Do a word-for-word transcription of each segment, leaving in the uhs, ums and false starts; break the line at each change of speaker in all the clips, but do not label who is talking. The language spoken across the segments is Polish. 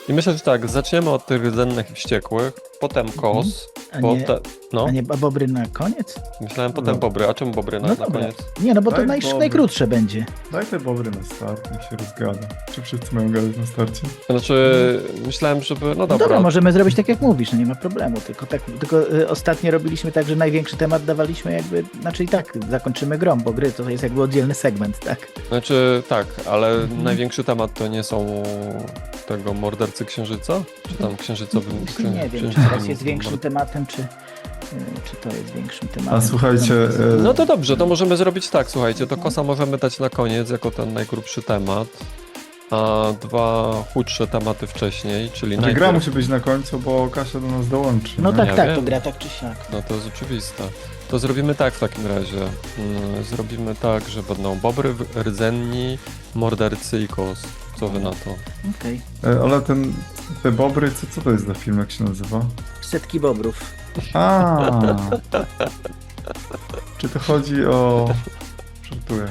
I myślę, że tak, zaczniemy od tych rdzennych i wściekłych, potem kos,
A
bo
nie,
te, no,
a nie a bobry na koniec?
myślałem potem
No.
bobry, a czemu bobry na,
No
na
dobra.
koniec?
Nie, no bo to
Daj
naj,
bobry.
najkrótsze będzie.
Daj te bobry na start, niech się rozgada. Czy wszyscy mają gadać na starcie?
Znaczy, myślałem, żeby, no
No
dobra,
dobra, możemy zrobić tak jak mówisz, no nie ma problemu, tylko tak, tylko y, ostatnio robiliśmy tak, że największy temat dawaliśmy jakby, znaczy i tak zakończymy grą, bo gry to jest jakby oddzielny segment, tak?
znaczy tak, ale
Mhm.
największy temat to nie są tego mordercy księżyca? Czy tam księżycowym...
Właśnie nie wiem, czy
księżycowym
teraz jest większym
mord-
tematem, czy, y, czy to jest większym tematem.
A słuchajcie, e,
No to dobrze, to możemy zrobić tak, słuchajcie, to kosa możemy dać na koniec jako ten najgrubszy temat, a dwa chudsze tematy wcześniej, czyli
Znaczy, gra
najpierw...
musi być na końcu, bo Kasia do nas dołączy.
No
nie?
tak,
Ja
tak,
wiem.
to gra tak czy siak.
No to jest oczywiste. To zrobimy tak w takim razie. Mm, Zrobimy tak, że będą bobry, w- rdzenni, mordercy i kos. Co wy na to?
Okej.
E, Ale ten, te bobry, co, co to jest za film, jak się nazywa?
Setki bobrów.
A. Czy to chodzi o... Żartuję.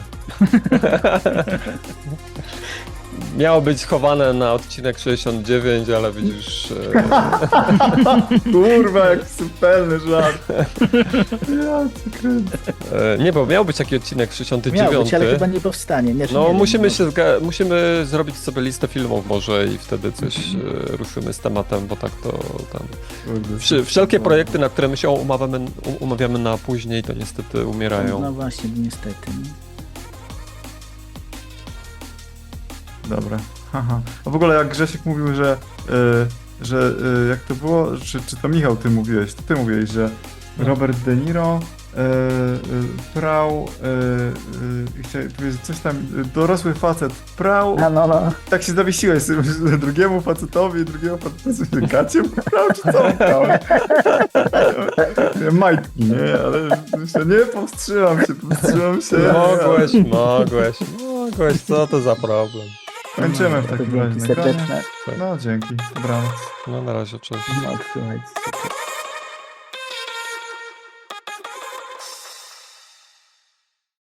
Miało być chowane na odcinek sześćdziesiąt dziewięć, ale widzisz... E,
Kurwa, jak subtelny żart. Ja cię kręcę.
e, nie, bo miał być taki odcinek sześćdziesiąt dziewięć.
Miał być, ale chyba nie powstanie. Nie, czy
No
nie wiem,
musimy
no.
się zga- musimy zrobić sobie listę filmów może i wtedy coś e, ruszymy z tematem, bo tak to tam...
Kurde,
Wszy- wszelkie projekty, na które my się umawiamy, um- umawiamy na później, to niestety umierają.
No właśnie, niestety.
Dobra. Haha. A w ogóle jak Grzesiek mówił, że, y, że y, jak to było, czy, czy to Michał ty mówiłeś, to ty mówiłeś, że
No.
Robert De Niro y, y, prał, y, y, i chciałem powiedzieć coś tam, y, dorosły facet prał,
A no, no.
tak się zawiesiłeś sobie, że drugiemu facetowi, drugiemu facetowi gacie prał, czy co on prał? Majtki, nie? Ale myślę, nie, powstrzymam się, powstrzymam się.
Mogłeś, mogłeś, mogłeś, co to za problem?
Kończymy w
To
takim razie
dzięki
nagranie.
serdeczne.
No dzięki, dobranoc.
No na razie, cześć.
No, słuchajcie.